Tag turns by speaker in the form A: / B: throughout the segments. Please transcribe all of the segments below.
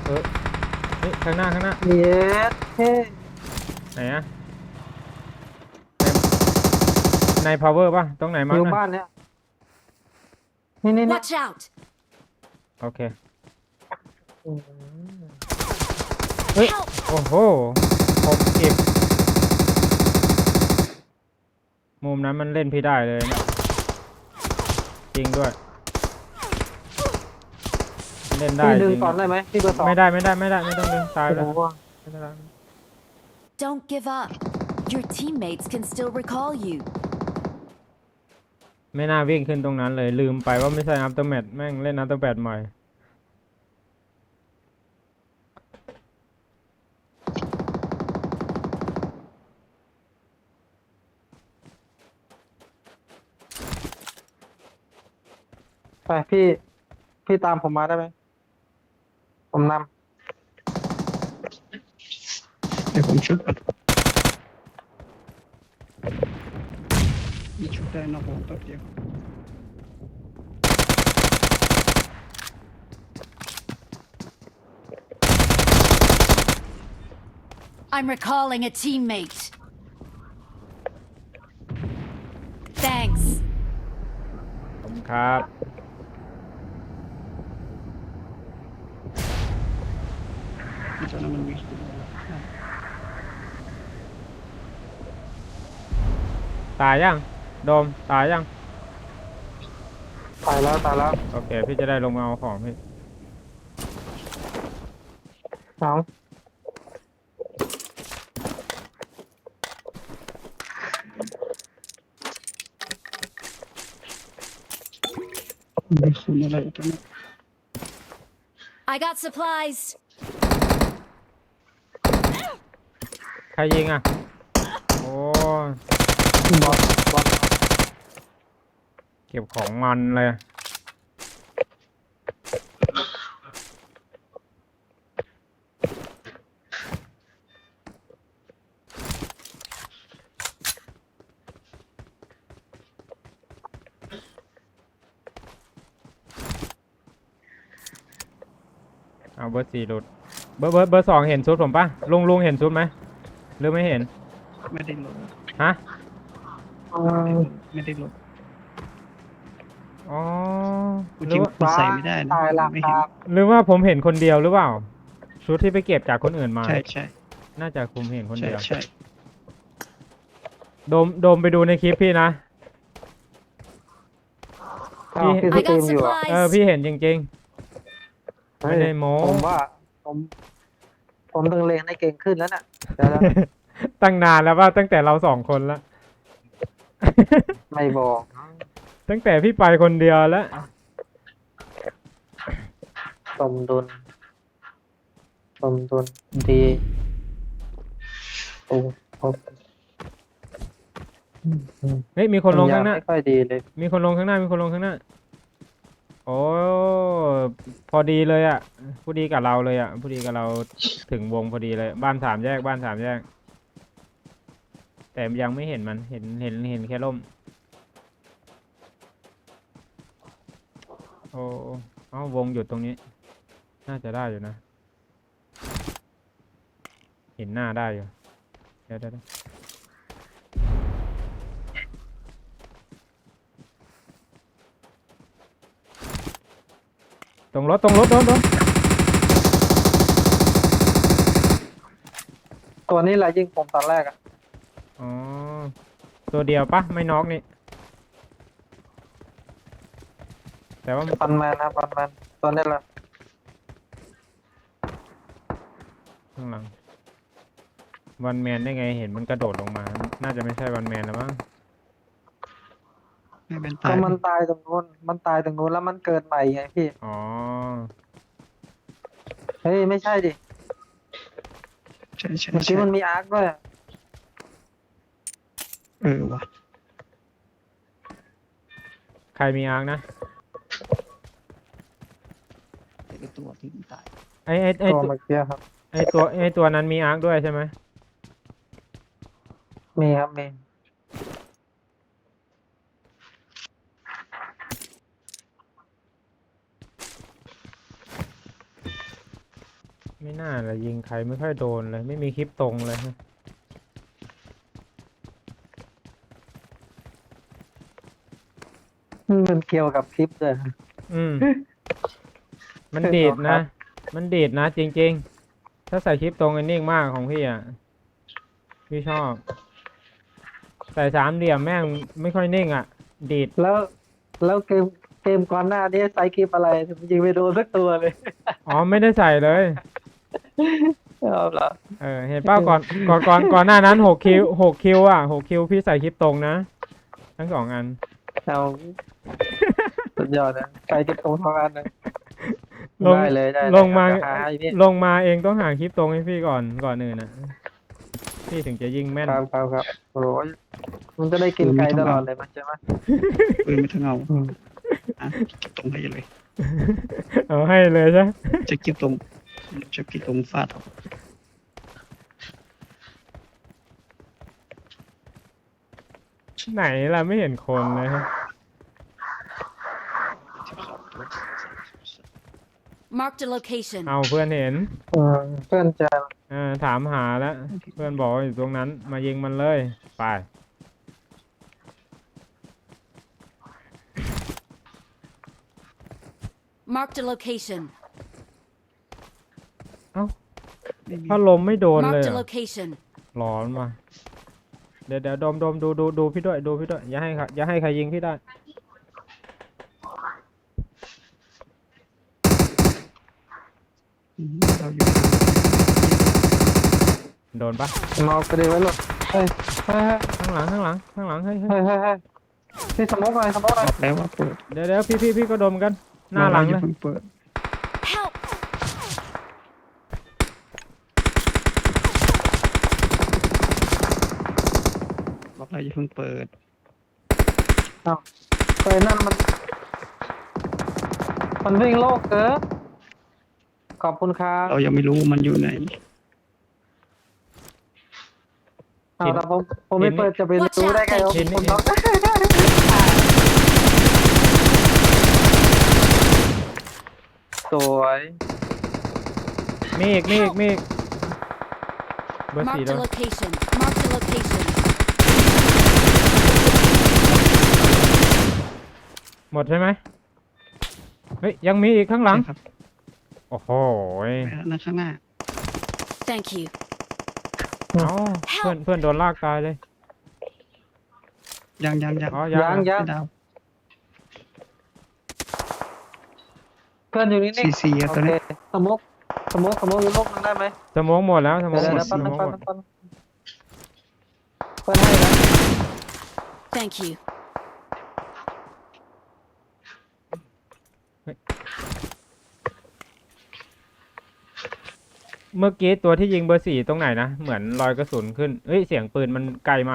A: อเฮ้ยข้างหน้า
B: เย็ดเท่
A: ไหนอะใน power ป่ะตรงไหน
B: อ
A: มั้งนะ
B: ยู่บ้านเนี้ยนี่
C: Watch out!
A: โอเค
B: อืม
A: เฮ้ย
C: Help!
A: โอ้โหผมเก็บมุมนั้นมันเล่นพี่ได้เลยนะจริงด้วยเล่นได้
B: พี่
A: จริง
B: ดึงก่อนได้ไหมพี่เบอร์สอง
A: ไม่ได้ไม่ต้องดึงตาย
B: โอ้
A: แล้ว
B: โห
A: ไม่ได้แล้ว
C: Don't give up. Your teammates can still recall you.
A: ไม่น่าวิ่งขึ้นตรงนั้นเลยลืมไปว่าไม่ใช่อัพเตอร์แมทแม่งเล่นอัพเตอร์แมทใหม่
B: ไปพี่ตามผมมาได้ไหมผมน
D: เดี๋ยวผมชุบก่อนมีชุบได้นอกวงแป๊บเดียว
C: I'm recalling a teammate. Thanks.
A: ขอบคุณครับ
D: ที่ตอนนั้นมันมี
A: ตายยังโดมตายยัง
B: ำตายแล้ว
A: โอเคพี่จะได้ลงมาเอาของพี่
B: เอา
D: มีคุณอะไรตรงนี้
C: I got supplies.
A: ใครยิงอ่ะโอ้
B: บอล
A: เก็บของมันเลยเอาเบอร์สี่หลุดเบอร์สองเห็นชุดผมปะลุงเห็นชุดไหมหรือไม่เห็น
D: ไม่ได้ลด
A: ฮะ
D: ไม่ได้ลด
A: อ๋อ
D: กู
A: ห
D: จ
A: รื
D: ริ
A: อง ว่า
D: มันใส่ไม่ได้นะ
B: ตายละ
D: ไม่
B: ค
D: เห็น
B: รับ
A: หรือว่าผมเห็นคนเดียวหรือเปล่าชุดที่ไปเก็บจากคนอื่นมา
D: ใช่ใช่
A: น่าจะผมเห็นคน
D: ใช่
A: เดียว
D: ใช่
A: โดมไปดูในคลิปพี่นะ
B: อ้าวพี่ส
C: I
B: ตรี
C: got
B: มอยู่อ่ะ
C: supplies.
A: พี่เห็นจริงๆ ไม่ได้โม้
B: ผมว่าผมต้องเลงให้เก่งขึ้นแล้วน่ะเดี๋ยวนะ
A: ตั้งนานแล้วว่าตั้งแต่เราสองคนแล้ว
B: ไม่บอก
A: ตั้งแต่พี่ไปคนเดียวแล้ว
B: สมดุลดีโอ้โห
A: เฮ้ยมีคนลงข้างหน้า
B: ไม่ค่อยดีเลย
A: มีคนลงข้างหน้าโอ้พอดีเลยอ่ะผู้ดีกับเราเลยอ่ะผู้ดีกับเราถึงวงพอดีเลยบ้านสามแยกแต่ยังไม่เห็นมันเห็นแค่ร่มโอ้เอ้าวงหยุดตรงนี้ น่าจะได้อยู่นะ เห็นหน้าได้อยู่เดี๋ยวตรงรถโดน
B: ตัวนี้แหละยิงผมตอนแรกอ่ะ
A: อ๋อตัวเดียวปะไม่น็อกนี่แต่ว่า
B: ฟันแมนนะฟันแมนตัวนี้แหละ
A: ข้างหลังวันแมนได้ไงเห็นมันกระโดดลงมา น่าจะไม่ใช่วันแมนแล้วมั้ง
D: ไม่เป็น
B: ก็
D: ตาย
B: มันตายตรงนู้นแล้วมันเกิดใหม่ไงพี่
A: อ๋อ
B: เฮ้ยไม่ใช่ดิ
D: ใช่ใช่
B: เมื่อกี้
D: ใช่
B: มันมีอาร์คด้วยอะ
D: ว่ะ
A: ใครมีอาร์คนะ
D: ไอ้ตัวที่ตาย
A: ไอไอ
B: ตัวเมื่อกี้ครับ
A: ไอตัวนั้นมีอาร์คด้วยใช่ไหม
B: มีครับมี
A: ไม่น่าเลยยิงใครไม่ค่อยโดนเลย ไม่มีคลิปตรงเลยฮะ
B: มันเกี่ยวกับคลิปเลย
A: อืม มัน
B: ใช่
A: ดีด
B: เหรอครั
A: นะ
B: บ
A: มันดีดนะจริงๆ ถ้าใส่คลิปตรงอันนิ่งมากของพี่อ่ะ พี่ชอบ ใส่สามเหลี่ยมแม่งไม่ค่อยนิ่งอ่ะ ดีด
B: แล้วเกมก่อนหน้านี้ใส่คลิปอะไรยิงไม่โดนสักตัวเลย
A: อ๋อไม่ได้ใส่เลย
B: เอาเหรอ
A: เห็นเป้าก่อนหน้านั้น6 คิวอ่ะ6 คิวพี่ใส่คลิปตรงนะ ทั้งสองอัน
B: เอาสุดยอดนะใส่คลิปตรงทำงานเลย
A: ลง
B: ได้เลยได้เลย
A: ลงมา
B: เดี๋ยวหาให้พี่
A: ลงมาเองต้องหาคลิปตรงให้พี่ก่อนอื่นนะพี่ถึงจะยิงแม่น
B: ครับโอ้ยมันจะได้กินไก่ตลอดเลยมันใช่ไหม
D: ปืนไม่ต้องเอา
B: อืม
D: อ่ะเก็บตรงให้เลย
A: เอาให้เลยใช่
D: จะเก็บตรงจะเก็บตรงฟาดเอา
A: ไหนล่ะไม่เห็นคนเลยฮะ
C: Marked a location.
A: เอาเพื่อนเห็น
B: เพื่อนจะ
A: ถามหาแล้ว เพื่อนบอกว่าอยู่ตรงนั้น มายิงมันเลยไป
C: Marked a location.
D: ไม่มี
A: ถ้าลมไม่โดนเลย
C: Marked a
A: อะ
C: location.
A: ร้อนมาเดี๋ยวดมดูพี่ด้วยดูพี่ด้วยอย่าให้ใครยิงพี่ได้
D: เราอยู่
A: โดนปะ
B: มองไปดีไว้หลดเฮ้ยเฮ้ย
A: ข้างหลังเฮ้ย
B: เฮ้ยเฮ้ยเฮ้ยพี่สมกหน่อย
D: บอกแล้วว่าเปิด
A: เดี๋ยวพี่ก็ดมกัน หน้าหลัง
D: อ
A: เล
D: ย่าย เพิ่งเปิด
C: Help!
D: บอกแล้วอย่าเพิ่งเปิด
B: เฮ้ยนั่นมันวิ่งโลกเกินขอบคุณครับ
D: เรายังไม่รู้มันอยู่ไหน
B: แต่ผมไม่เปิดจะไปรู้ได้ไงว่าผมน็อกสวย
A: มีอีกเบอร์สี่
C: Marked
A: โด
C: a
A: น
C: location. Marked a location.
A: หมดใช่ไหมเฮ้ยยังมีอีกข้างหลัง
D: ใช่ครับ
A: โอ้โห
D: ไปแล้วนะข้างหน้า
C: Thank you.
A: เอ้าเพื่อนโดนลากตายเลย
D: ยัง
A: อ๋อ
B: ยัง
D: ไม่ดาว
B: เพื่อนอยู่นี่
D: CC
B: โอ
D: ตัว
B: เค
D: นี้
B: สมกอยู่โลกนึงได้ไหม
A: สโมองหมดแล้วสโม
B: เดี๋
A: อ
B: ยว
A: งหมด
B: ปั้น
A: สโมองหมด
B: เพื่อนให้นะ
C: Thank you.
A: เมื่อกี้ตัวที่ยิงเบอร์สี่ตรงไหนนะ เหมือนรอยกระสุนขึ้นเฮ้ยเสียงปืนมันไกลมาก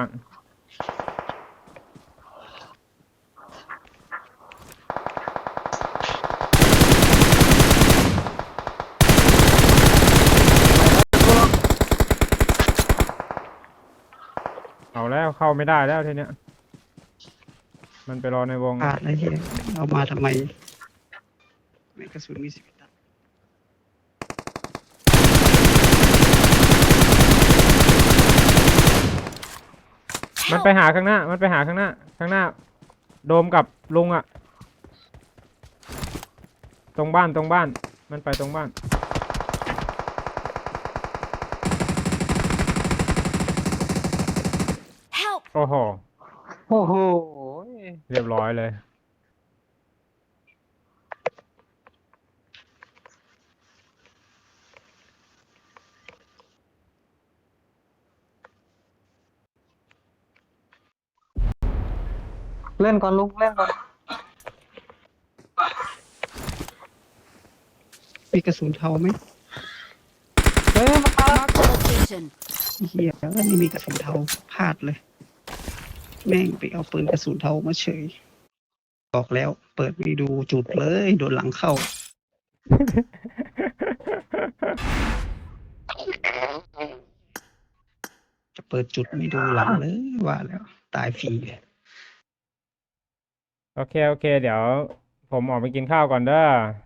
A: เอาแล้วเข้าไม่ได้แล้วทีเนี้ย มันไปรอในวง
D: พลาดอะไรเฮียเอามาทำไมแม่งกระสุนมี11 นัด
A: มันไปหาข้างหน้า ข้างหน้า โดมกับลุงอะตรงบ้าน มันไปตรงบ้าน
C: Help!
A: โอ้โห
B: โอ้โห
A: เรียบร้อยเลย
B: เล่นก่อนลุกเล่นก่อน
D: มีกระสุนเทาไหม
B: เฮ้ยมา
C: Marked a location.
D: เฮียไม่มีกระสุนเทาพลาดเลย แม่งไปเอาปืนกระสุนเทามาเฉย บอกแล้ว เปิดไม่ดูจุดเลยโดนหลังเข้า จะเปิดจุดไม่ดูหลังเลยว่าแล้ว ตายฟรีเลย
A: โอเค เดี๋ยว ผมออกไปกินข้าวก่อนเด้อ